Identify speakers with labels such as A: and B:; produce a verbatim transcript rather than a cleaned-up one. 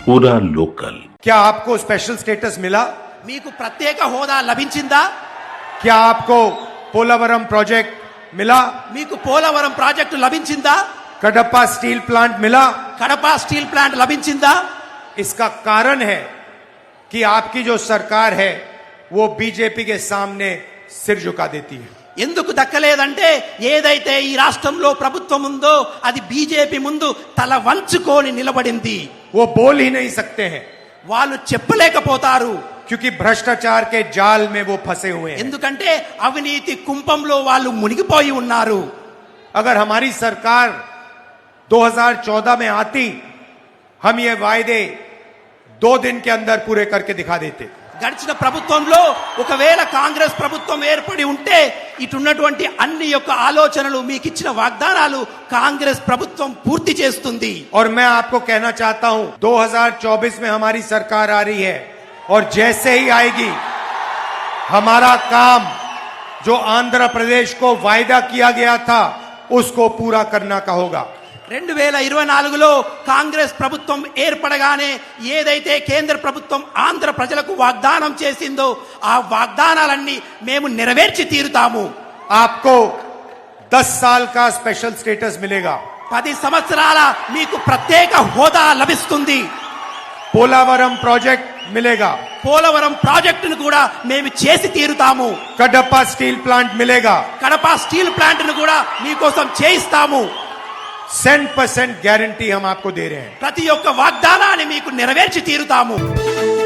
A: पूरा लोकल।
B: क्या आपको स्पेशल स्टेटस मिला?
C: మీకు ప్రత్యేక హోదా లభించిందా?
B: क्या आपको पोलावरम प्रोजेक्ट मिला?
C: మీకు పోలవరం ప్రాజెక్టు లభించిందా?
B: कडप्पा स्टील प्लांट मिला?
C: కడప స్టీల్ ప్లాంట్ లభించిందా?
B: इसका कारण है कि आपकी जो सरकार है वो बीजेपी के सामने सिर झुका देती है।
C: ఎందుకు దక్కలేదంటే ఏదైతే ఈ రాష్ట్రంలో ప్రభుత్వం ఉందో అది బీజేపీ ముందు తల వంచుకొని నిలబడింది.
B: वो बोल ही नहीं सकते हैं
C: వాళ్ళు చెప్పలేకపోతారు.
B: क्योंकि भ्रष्टाचार के जाल में वो फंसे हुए हैं।
C: ఎందుకంటే అవినీతి కుంపంలో వాళ్ళు మునిగిపోయి ఉన్నారు.
B: अगर हमारी सरकार दो हज़ार चौदह में आती, हम ये वायदे दो दिन के अंदर पूरे करके दिखा देते।
C: గడిచిన ప్రభుత్వంలో ఒకవేళ కాంగ్రెస్ ప్రభుత్వం ఏర్పడి ఉంటే ఇటున్నటువంటి అన్ని యొక్క ఆలోచనలు మీకు ఇచ్చిన వాగ్దానాలు కాంగ్రెస్ ప్రభుత్వం పూర్తి చేస్తుంది.
B: और मैं आपको कहना चाहता हूं दो हज़ार चौबीस में हमारी सरकार आ रही है और जैसे ही आएगी हमारा काम जो आंध्र प्रदेश को वायदा किया गया था उसको पूरा करना का होगा।
C: రెండు వేల ఇరవై నాలుగులో కాంగ్రెస్ ప్రభుత్వం ఏర్పడగానే ఏదైతే కేంద్ర ప్రభుత్వం ఆంధ్ర ప్రజలకు వాగ్దానం చేసిందో ఆ వాగ్దానాలన్నీ మేము నెరవేర్చి తీరుతాము.
B: आपको दस साल का स्पेशल स्टेटस मिलेगा।
C: పది సంవత్సరాల మీకు ప్రత్యేక హోదా లభిస్తుంది.
B: पोलावरम प्रोजेक्ट मिलेगा।
C: పోలవరం ప్రాజెక్టును కూడా మేము చేసి తీరుతాము.
B: कडप्पा स्टील प्लांट मिलेगा।
C: కడప స్టీల్ ప్లాంట్ ను కూడా మీకోసం చేయిస్తాము.
B: सेंट परसेंट गारंटी हम आपको दे रहे हैं।
C: ప్రతి ఒక్క వాగ్దానాన్ని మీకు నెరవేర్చి తీరుతాము.